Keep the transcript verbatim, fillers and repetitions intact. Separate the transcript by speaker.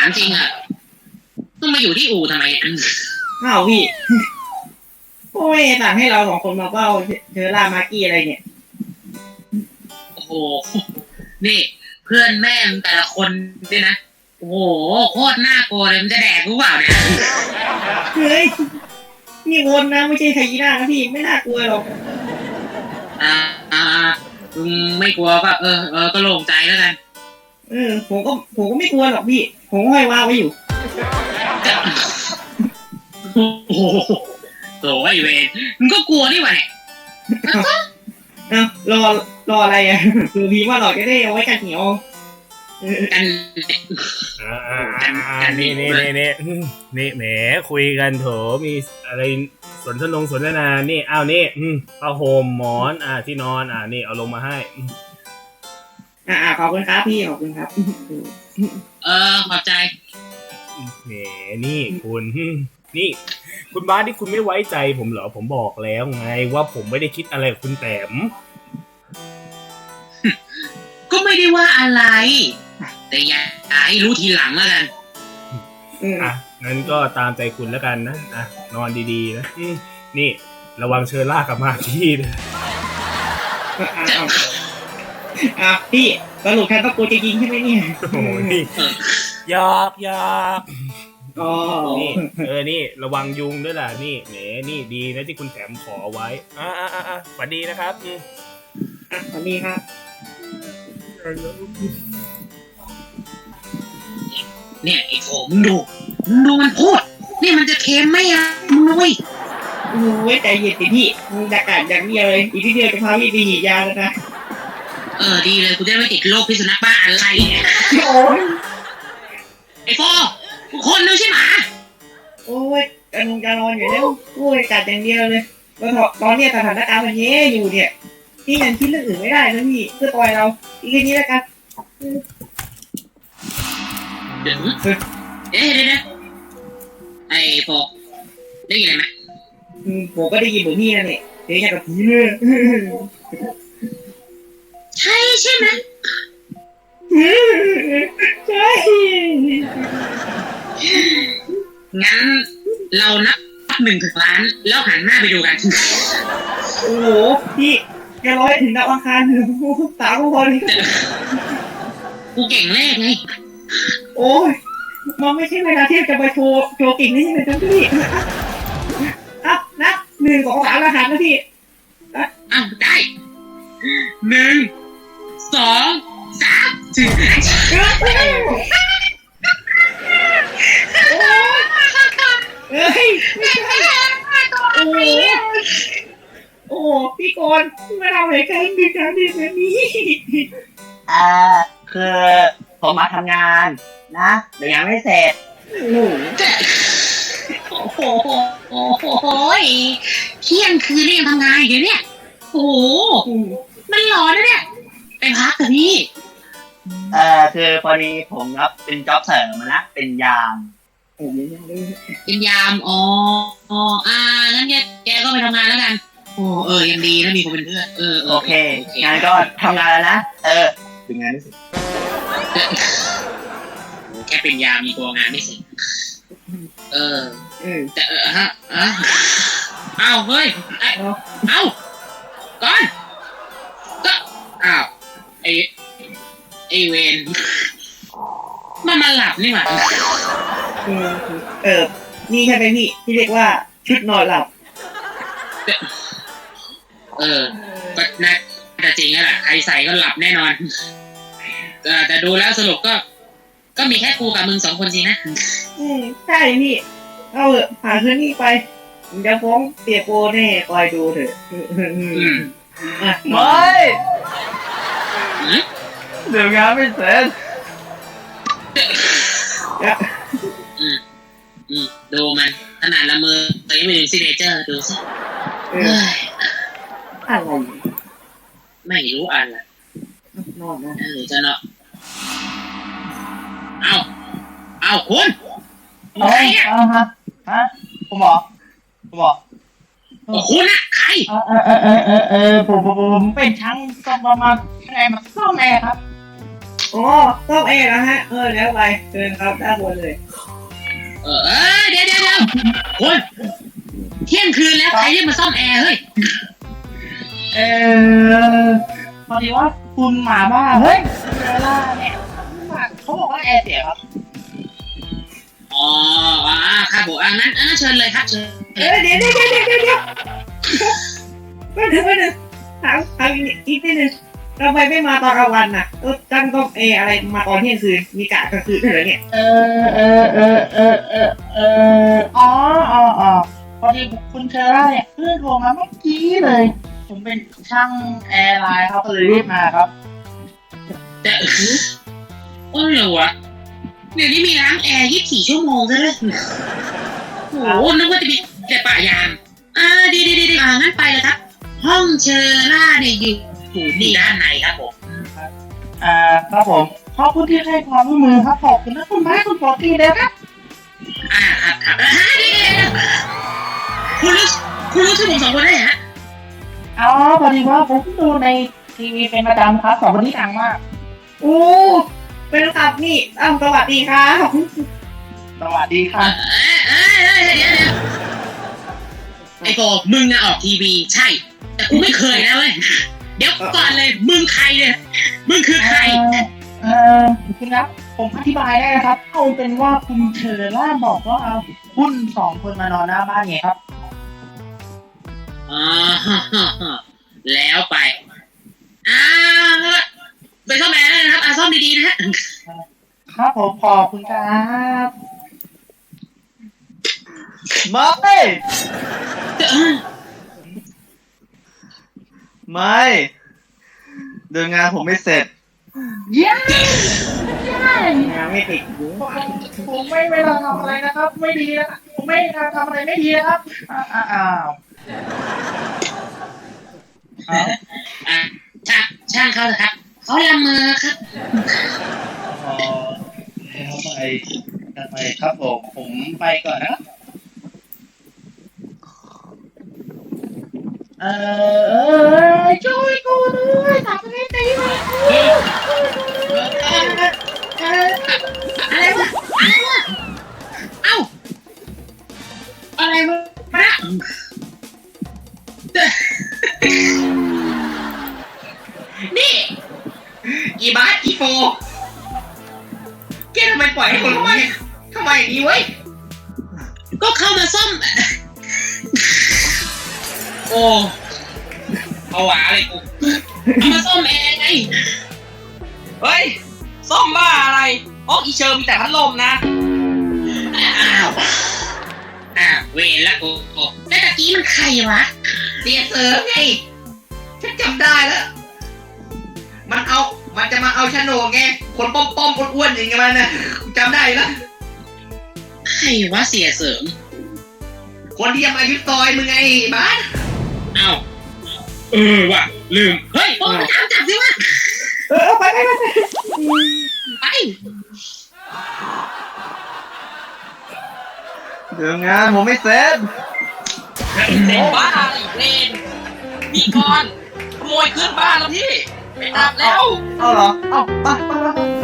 Speaker 1: จริงอ่ะต้องมาอยู่ที่อู่ทำไม
Speaker 2: อ้าวพี่โอ้ยสั่งให้เราสองคนมาเฝ้าเชอร่ามาร์กี้อะไรเนี่ย
Speaker 1: โอ้โหนี่เพื่อนแม่งแต่ละคนเนี่ยนะโอ้โหโคตรน่ากลัวเลยมันจะแดกรู้เปล่าเนี่ย
Speaker 2: เฮ้ยนี่วนนะไม่ใช่ไฮยีน่านะพี่ไม่น่ากลัวหรอก
Speaker 1: อ่าอ่ามึงไม่กลัวก็เออเออก็โล่งใจแล้วกัน
Speaker 2: เออผมก็ผมก็ไม่กลัวหรอกพี่ผมห้อยวางไว้อยู่
Speaker 1: โอ้โหโถ่ไอ้เวรมึงก็กลัวนี่หว่าเนี่ย
Speaker 2: เอารอรออะไรอ่ะคือพี่ว่าเราจะได้เอาไว้กันเหนียว
Speaker 1: กัน
Speaker 3: อ่านี่นี่นี่นี่นี่แหมคุยกันโถมีอะไรสนทนงสนทนานี่อ้าวนี่ผ้าห่มหมอนอ่าที่นอนอ่านี่เอาลงมาให้
Speaker 2: อ่าขอบคุณครับพี่ขอบคุณครับ
Speaker 1: เออขอบใจ
Speaker 3: แหมนี่คุณนี่คุณบาสที่คุณไม่ไว้ใจผมเหรอผมบอกแล้วไงว่าผมไม่ได้คิดอะไรกับคุณแต้ม
Speaker 1: ก็ไม่ได้ว่าอะไรแต่อย่าให้รู้ทีหลังแล้วกัน
Speaker 3: อ่ะงั้นก็ตามใจคุณแล้วกันนะอ่ะนอนดีๆนะนี่ระวังเชิญลากกลับมาที่นะ
Speaker 2: อ่ะพี่สรุปแค่ต้องกูจะยิงใช่ไหมเนี่ย
Speaker 3: โอ้ยยากยาก
Speaker 2: อ๋อ
Speaker 3: นี่เออนี่ระวังยุงด้วยล่ะนี่แหมนี่ดีนะที่คุณแถมขอไว้อ่าอ่าอ่าสวัสดีนะครับ
Speaker 2: อ่ะสวัสดีครับ
Speaker 1: เนี่ยไอ้โผมึงดูมึงดูมันพูดนี่มันจะเค็มไหมอ่ะมึงนุ้ย
Speaker 2: โอ้ยใจเย็นสิพี่มึงจะกัดอย่างเดียวเลยอีกทีเดียวจะพาพี่ไปฉีดยาแล้วนะ
Speaker 1: เออดีเลยกูจะไม่ติดโรคพิษสุนัขบ้าอะไรเนี่ยไอ้โฟกูคนนึงใช่ไหม
Speaker 2: โอ้ยกำลังจะนอนอยู่แล้วโอ้ยกัดอย่างเดียวเลยแล้วตอนนี้สถานการณ์มันแย่อยู่เนี่ยพี่ยังคิดเรื่องอื่นไม่ได้นะพี่เพื่อปล่อยเราอีกทีนี้แล้วกัน
Speaker 1: เดี๋ยวเอ๊ะเดี๋ยวนะไอ้โฟได้ยินอะไรไหม
Speaker 2: ผมก็ได้ยินเหมือนพี่นั่นแหละเดี๋ยวอยากกับผีเลย
Speaker 1: ใช่ใช่ไหม
Speaker 2: ใช่
Speaker 1: งั้นเรานับหนึ่งถึงล้านแล้วหันหน้าไปดูกัน
Speaker 2: โอ้โหพี่แกร้อยถึงดาวอังคารถึงสามคน
Speaker 1: กูเก่งเลขไง
Speaker 2: โอ้ยมันไม่ใช่เวลาที่จะไปโชว์โชว์เก่งนี่เลยทั้งพี่อ่ะนับหนึ่งสองสามแล้วหันนะพี่
Speaker 1: อ้าวได้หนึ่งสองสามสี่
Speaker 2: เฮ้ยโอ้โอ้พี่กรณ์ไม่ทำอะไรกันดีกันดีแบบนี้
Speaker 4: อ่าคือผมมาทำงานนะเดี๋ยวยังไม่เสร็จ
Speaker 1: โอ้โหโอ้โหเที่ยงคืนนี่ยังทำงานอยู่เนี่ยโอ้โหมันร้อนนะเนี่ยไปพักกันพี่
Speaker 4: เอ่อคือพอดีผมรับเป็นจ็อบเสริมมานะเป็นยาม
Speaker 1: เป็นยามอ๋ออ๋ออ่างั้นแกแกก็ไปทำงานแล้วกันโอ้เออยังดีนะมีคนเป็นเพื่อนเออ
Speaker 4: โอเคงานก็ทำงานแล้วนะเออถึงงานไม่เสร็จ
Speaker 1: แค่เป็นยามมีกลัวงานไม่เสร็จเออแต่เออฮะอ่ะอ้าวเฮ้ยเอ้าก่อนก็อ้าวไอไอเวนมันมาหลับนี่หว่า
Speaker 2: เออนี่ใช่ไหมพี่ที่เรียกว่าชุดนอนหลับ
Speaker 1: เออก็น่าจะจริงแล้วแหละใครใส่ก็หลับแน่นอนแต่ดูแล้วสรุปก็ก็มีแค่กูกับมึงสองคนสินะ
Speaker 2: อืมใช่พี่เอาเถอะผ่านคืนนี้ไปจะฟ้องเปียโปแน่คอยดูเถอะ
Speaker 4: ไม่เดี๋ยวงานไม่เสร็จ
Speaker 1: อืมอืมดูมันขนาดละมือตัวยังไม่ถึงซิกเนเจอร์ดูสิ
Speaker 2: อะไร
Speaker 1: ไม่รู้อะไร
Speaker 2: นอนนะ
Speaker 1: เออจะเนาะเอาเอาคุณ
Speaker 4: อะไรเนี่ยฮะฮะผมบอกผมบอก
Speaker 1: คุณอะใคร
Speaker 4: เออเออเออเออเออผมผมผมเป็นช่างซ่อมมาข้างในมาซ่อมแอร์ครับ
Speaker 2: อ๋อต้องเอนะฮะเออแล้วไปเชิญครับด้านบนเลย
Speaker 1: เออเออเดี๋ยวเดี๋ยวเดี๋ยวคุณเที่ยงคืนแล้วใครเรียกมาซ่อมแอร์เฮ้ย
Speaker 4: เออพอดีว่าคุณหมาบ้าเฮ้ยเวลาเนี่ยเขาบอกว่าแอร์เสียครับ
Speaker 1: อ๋ออ่าครับผมอ่างั้นอ่าเชิญเลยครับเชิญ
Speaker 2: เออเดี๋ยวเดี๋ยวเดี๋ยวเดี๋ยวเดี๋ยวเดี๋ยวไม่ถึงไม่ถึงถามถามอีกนิดนึงทำไมไม่มาตอนกลางวันน่ะเออตั้งต้องเออะไรมาตอนเที่ยงคืนมีกะกลางคืนด้วยเหรอเนี่ย
Speaker 4: เออเออเออเออเออเอออ๋ออ๋ออ๋อพอดีคุณเชอร่าเนี่ยเพิ่งโทรมาเมื่อกี้เลย ผมเป็นช่างแอร์ไลน์เขาก็เลยรีบมาครับ
Speaker 1: แต่โอ้ยเหรอวะเดี๋ยวนี้มีล้างแอร์ยี่สิบสี่ชั่วโมงซะเลยโอ้โหนึกว่าจะมีแต่ป่ายางอ่าดีดีดีดีอ่างั้นไปเลยครับ ห้องเชอร่าเนี่ยอยู่อยู่นี่ด้านในครับผม
Speaker 4: อ่าครับผมขอบคุณที่ให้ความร่วมมือครับขอบคุณนะคุณไม้คุณปอตี้เลยครับ
Speaker 1: อ่าครับครับอ่าเดี๋ยวเดี๋ยวเดี๋ยวคุณรู้คุณรู้ชื่อผมสองคนได้เหรอฮะ
Speaker 4: อ๋อพอดีว่าผมดูในทีวีเป็นประจำครับสองคนนี้ดังมาก
Speaker 2: โอ้เป็นครับนี่อ้าวสวัสดีครับ
Speaker 4: สวัสดีค
Speaker 1: เอ
Speaker 4: รับ
Speaker 1: อเออเออเดี๋ยวเดี๋ยวไอ้โกมึงอะออกทีวีใช่ แต่กูไม่เคยนะเว้ยเดี๋ยวก่อนเลยมึงใครเนี่ยมึงคือใคร
Speaker 4: เออคุณครับผมอธิบายได้นะครับเอาเป็นว่าคุณเชอร่าบอกว่าเอาคุณสองคนมานอนหน้าบ้านไงครับ
Speaker 1: อ๋อแล้วไปอ่าไปซ่อมแอร์เลยนะครับอ่าซ่อมดีๆนะฮะ
Speaker 4: ครับผมขอบคุณครับ
Speaker 5: ไม่ ไม่เดินงานผมไม่เสร็จ
Speaker 4: เย้เย้
Speaker 2: งานไม่ติดอยู่
Speaker 4: ผมไม่เวลาทำอะไรนะครับ ไม่ดีนะครับผมไม่ทำอะไรไม่ดีนะครับอ้าวอ้าวอ้าว
Speaker 1: อ่าช่างช่างเขาเถอะครับเขาละเมอครับ
Speaker 4: อ๋อทำไมทำไมครับผมผมไปก่อนนะเออเออช่วยกูด้วยทำให้ตีมา
Speaker 1: อะไรวะอะไรวะเอ้าอะไรวะพระนี่อีบาสอีโฟแกทำไมปล่อยให้คนเข้ามาเนี่ยทำไมอย่างนี้เว้ยก็เข้ามาซ่อม โอ้เอาหวาเลยกูเอามาซ่อมแอร์ไงเฮ้ยซ่อมบ้าอะไรอ๋ออีเชอร์มีแต่พัดลมนะอ้าวอ้าวเวรละกูแล้วตะกี้มันใครวะเสียเสือไงฉันจำได้แล้วมันเอามันจะมาเอาโฉนดไงคนป้อมป้อมๆอ้วนๆอย่างเงี้ยมันนะจำได้แล้วใครวะเสียเสริมคนที่จะมายึดซอยมึงไงบ้านอ้าวเออว่ะลืมเฮ้ยโอ้ไปถามจับสิวะ
Speaker 2: เออไปไปไปไป
Speaker 1: ไป
Speaker 5: เดินงานผมไม่เสร็จ
Speaker 1: เสร็จบ้าอีกเลนมีก่อนขโมยขึ้นบ้านแล้วพี่ไปตามแล้ว
Speaker 5: เอาเหรอ เอาไปไปไป